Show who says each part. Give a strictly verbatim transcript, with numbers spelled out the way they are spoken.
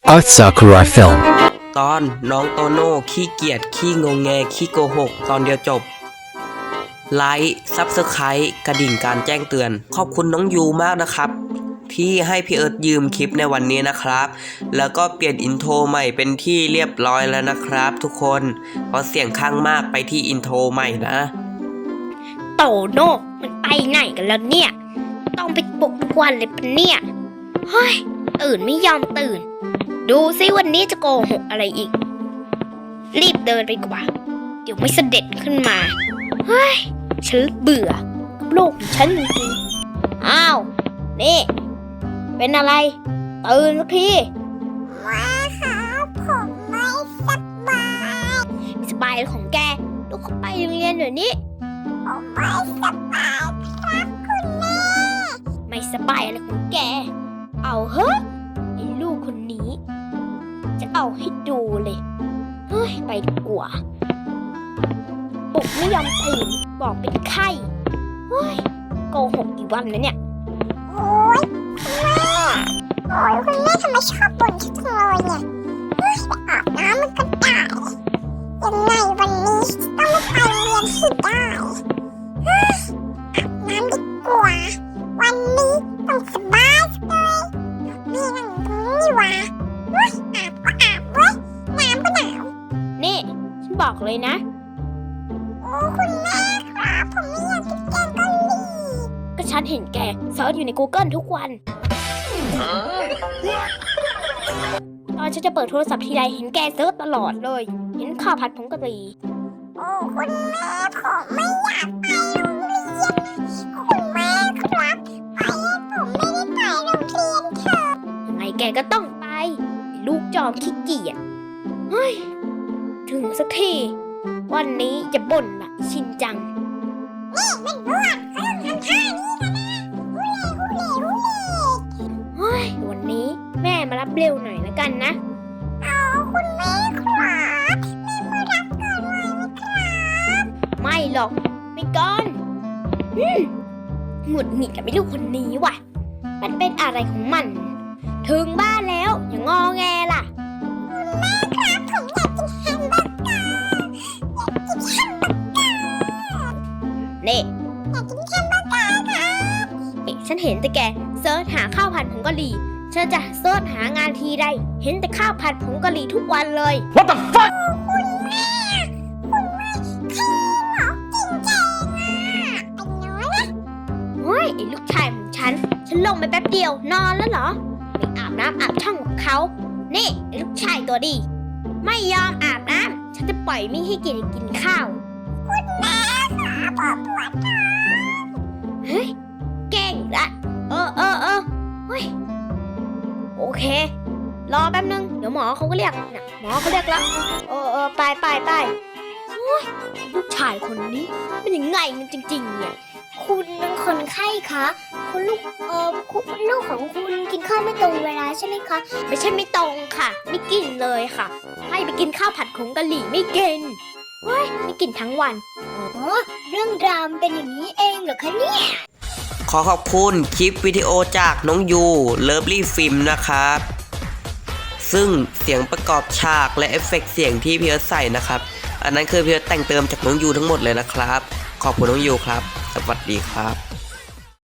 Speaker 1: Art Sakurai Film
Speaker 2: ตอนน้องโตโน่ขี้เกียจขี้งงแงขี้โกหกตอนเดียวจบไลค์ซับสไครต์กระดิ่งการแจ้งเตือนขอบคุณน้องยูมากนะครับที่ให้พี่เอิร์ธยืมคลิปในวันนี้นะครับแล้วก็เปลี่ยนอินโทรใหม่เป็นที่เรียบร้อยแล้วนะครับทุกคนเพราะเสียงข้างมากไปที่อินโทรใหม่นะ
Speaker 3: โตโน่มันไปไหนกันแล้วเนี่ยต้องไปปลุกทุกวันเลยปะเนี่ยเฮ้ยตื่นไม่ยอมตื่นดูซิวันนี้จะโกหกอะไรอีกรีบเดินไปกว่าเดี๋ยวไม่เสด็จขึ้นมาเฮ้ยฉันเบื่อกับโลกของฉันจริงๆอ้าวนี่เป็นอะไรตื่นสักทีว้าครับผมไม่สบายสบายของแกลูกเขาไปโรงเรียนเดี๋ยวนี้ผมไม่สบายครับคุณแม่ไม่สบายอะไรของแกเอาเฮ้ยไอ้ลูกคนนี้จะเอาให้ดูเลยเฮ้ยไปดีกว่าปลุกไม่ยอมตื่นบอกเป็นไข้เฮ้ยโกหกกี่วันแล้วเนี่ยโอ๊ยคุณแม่โอ๊ยคุณแม่ทำไมชอบบ่นฉันจังเลยเนี่ยเฮ้ยไปอาบน้ำมันก็ได้ยังไงวันนี้ต้องไม่ไปโรงเรียนให้ได้เฮ้ยอาบน้ำดีกว่าวันนี้ต้องสบายเลยนี่นั่งตรงนี้วะเฮ้ยอาบก็อาบเว้ยน้ำก็หนาวนี่ฉันบอกเลยนะโอ้คุณแม่ครับผมไม่อยากกินแกงกะหรี่ก็ฉันเห็นแกเซิร์ชอยู่ใน Google ทุกวันตอนฉันจะเปิดโทรศัพท์ทีไรเห็นแกเซิร์ชตลอดเลยเห็นข้าวผัดผงกะหรี่โอ้คุณแม่ผมไม่อยากไปโรงเรียนคุณแม่ครับไปผมไม่ได้ไปโรงเรียนเถอะยังไงแกก็ต้องไปลูกจอมขี้เกียจเฮ้ยถึงสักทีวันนี้จะบ่นละชินจังนี่มันบ้วนเขาต้องทำท่านี้กันนะฮูเล่ฮูเล่ฮูเล่เฮ้ยวันนี้แม่มารับเร็วหน่อยแล้วกันนะเอาคุณแม่ครับแม่มารับก่อนเลยนะครับไม่หรอกไม่ก่อนหงุดหงิดกับไอ้ลูกคนนี้ว่ะมันเป็นอะไรของมันถึงบ้านแล้วอย่างงอแงล่ะแม่ครับผมอยากกินแฮมเบอร์เกอร์อยากกินแฮมเบอร์เกอร์นี่อยากกินแฮมเบอร์เกอร์ครับเอ๊ะฉันเห็นแต่แกเซิร์ชหาข้าวผัดผงกะหรี่ฉันจะเซิร์ชหางานทีใดเห็นแต่ข้าวผัดผงกะหรี่ทุกวันเลย
Speaker 1: What the fuck
Speaker 3: คุณแม่คุณแม่ขี้หมอกกินแกงอ่ะเป็นน้อยนะโอ้ยไอ้ลูกชายของฉันฉันลงไปแป๊บเดียวนอนแล้วเหรอไม่อาบน้ำอาบช่องกับเขานี่ไอ้ลูกชายตัวดีไม่ยอมอาบน้ำฉันจะปล่อยไม่ให้กินกินข้าวคุณแม่ค่ะปวดปวดท้องเฮ้ยเก่งละเออเออเออเฮ้ยโอเครอแป๊บนึงเดี๋ยวหมอเขาก็เรียกนะหมอเขาเรียกแล้วเออเออไปไปไปโอ้ยลูกชายคนนี้เป็นยังไงมันจริงๆเนี่ยคุณเป็นคนไข้คะคุณลูกเออคุณลูกของคุณกินข้าวไม่ตรงเวลาใช่ไหมคะไม่ใช่ไม่ตรงค่ะไม่กินเลยค่ะให้ไปกินข้าวผัดผงกะหรี่ไม่กินเฮ้ยไม่กินทั้งวันอ๋อเรื่องราวเป็นอย่างนี้เองเหรอคะเนี่ย
Speaker 2: ขอขอบคุณคลิปวิดีโอจากน้องยูเลิฟลี่ฟิล์มนะครับซึ่งเสียงประกอบฉากและเอฟเฟกต์เสียงที่พี่เอิร์ธใส่นะครับอันนั้นคือพี่เอิร์ธแต่งเติมจากน้องยูทั้งหมดเลยนะครับขอบคุณน้องยูครับสวัสดีครับ